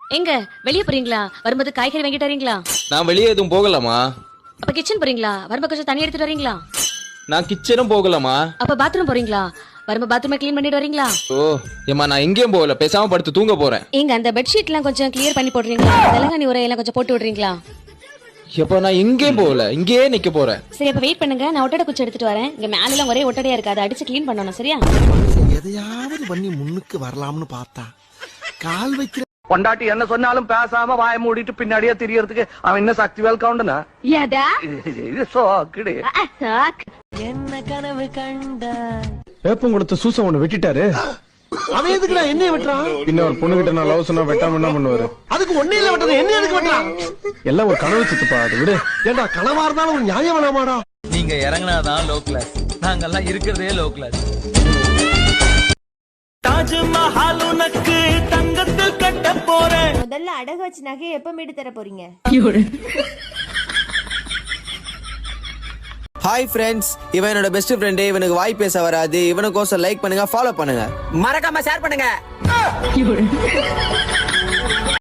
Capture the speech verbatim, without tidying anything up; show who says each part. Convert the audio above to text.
Speaker 1: எங்க வெளிய போறீங்களா? வரும்போது காய்கறி வாங்கிட்டு வரீங்களா?
Speaker 2: நான் வெளியே எதுவும் போகலாமா?
Speaker 1: அப்ப கிச்சன் போறீங்களா? வரும்போது கொஞ்சம் தண்ணி எடுத்துட்டு வரீங்களா?
Speaker 2: நான் கிச்சனும் போகலாமா?
Speaker 1: அப்ப பாத்ரூம் போறீங்களா? வரும்போது பாத்ரூமை க்ளீன் பண்ணிட்டு வரீங்களா?
Speaker 2: ஓ ஏமா நான் எங்கேயும் போகல, பேசாம படுத்து தூங்க போறேன்.
Speaker 1: எங்க அந்த பெட்ஷீட் எல்லாம் கொஞ்சம் கிளியர் பண்ணி போடுறீங்களா? தெலங்கானி உரையெல்லாம் கொஞ்சம் போட்டு விடுறீங்களா?
Speaker 2: எப்ப நான் எங்கேயும் போகல, இங்கேயே நிக்க போறேன்.
Speaker 1: சரி அப்ப வெயிட் பண்ணுங்க, நான் ஒட்டடை குச்சி எடுத்துட்டு வரேன். இங்க மேல எல்லாம் ஒரே ஒட்டடையா இருக்கு, அதை அடிச்சு க்ளீன் பண்ணணும். சரியா?
Speaker 3: எதையாவது பண்ணி முன்னுக்கு வரலாம்னு பார்த்தா கால் வைக்கிற
Speaker 4: பொண்டாட்டி என்ன சொன்னாலும் பேசாம வாய மூடிட்டு பின்னாடியே தெரியறதுக்கு அவன் என்ன சக்தி வேல் கவுண்டனா இது சோக்குடு.
Speaker 1: என்ன கனவு கண்ட
Speaker 5: வேப்பம் கொடுத்த சூசம் ஒண்ணு வெட்டிட்டாரு.
Speaker 3: அவன் எதுக்குடா என்னைய வெட்டுறான்?
Speaker 5: இன்னும் ஒரு பொண்ணு கிட்ட நான் லவ் சொன்னா வெட்டாம என்ன பண்ணுவாரு?
Speaker 3: அதுக்கு ஒன்னே இல்ல வெட்டது, என்ன எதுக்கு வெட்டுறான்?
Speaker 5: எல்லாம் ஒரு கனவு சித்துப்பா, அது விடு.
Speaker 3: ஏண்டா கனவா இருந்தாலும் ஒரு நியாயம் வேணாமாடா?
Speaker 6: நீங்க இறங்கினாதான் லோ கிளாஸ், நாங்கெல்லாம் இருக்கிறதே லோ கிளாஸ். தாஜ்மஹால் உனக்கு தங்கத்தில் கட்ட போறேன்.
Speaker 7: முதல்ல அடகு வச்சு நகையை எப்ப மீட்டு தர போறீங்க?
Speaker 8: ஹாய் ஃப்ரெண்ட்ஸ், இவன் என்னோட பெஸ்ட் ஃப்ரெண்டு. இவனுக்கு வாய் பேச வராது. இவனுக்கோசம் லைக் பண்ணுங்க, ஃபாலோ பண்ணுங்க,
Speaker 6: மறக்காம ஷேர் பண்ணுங்க.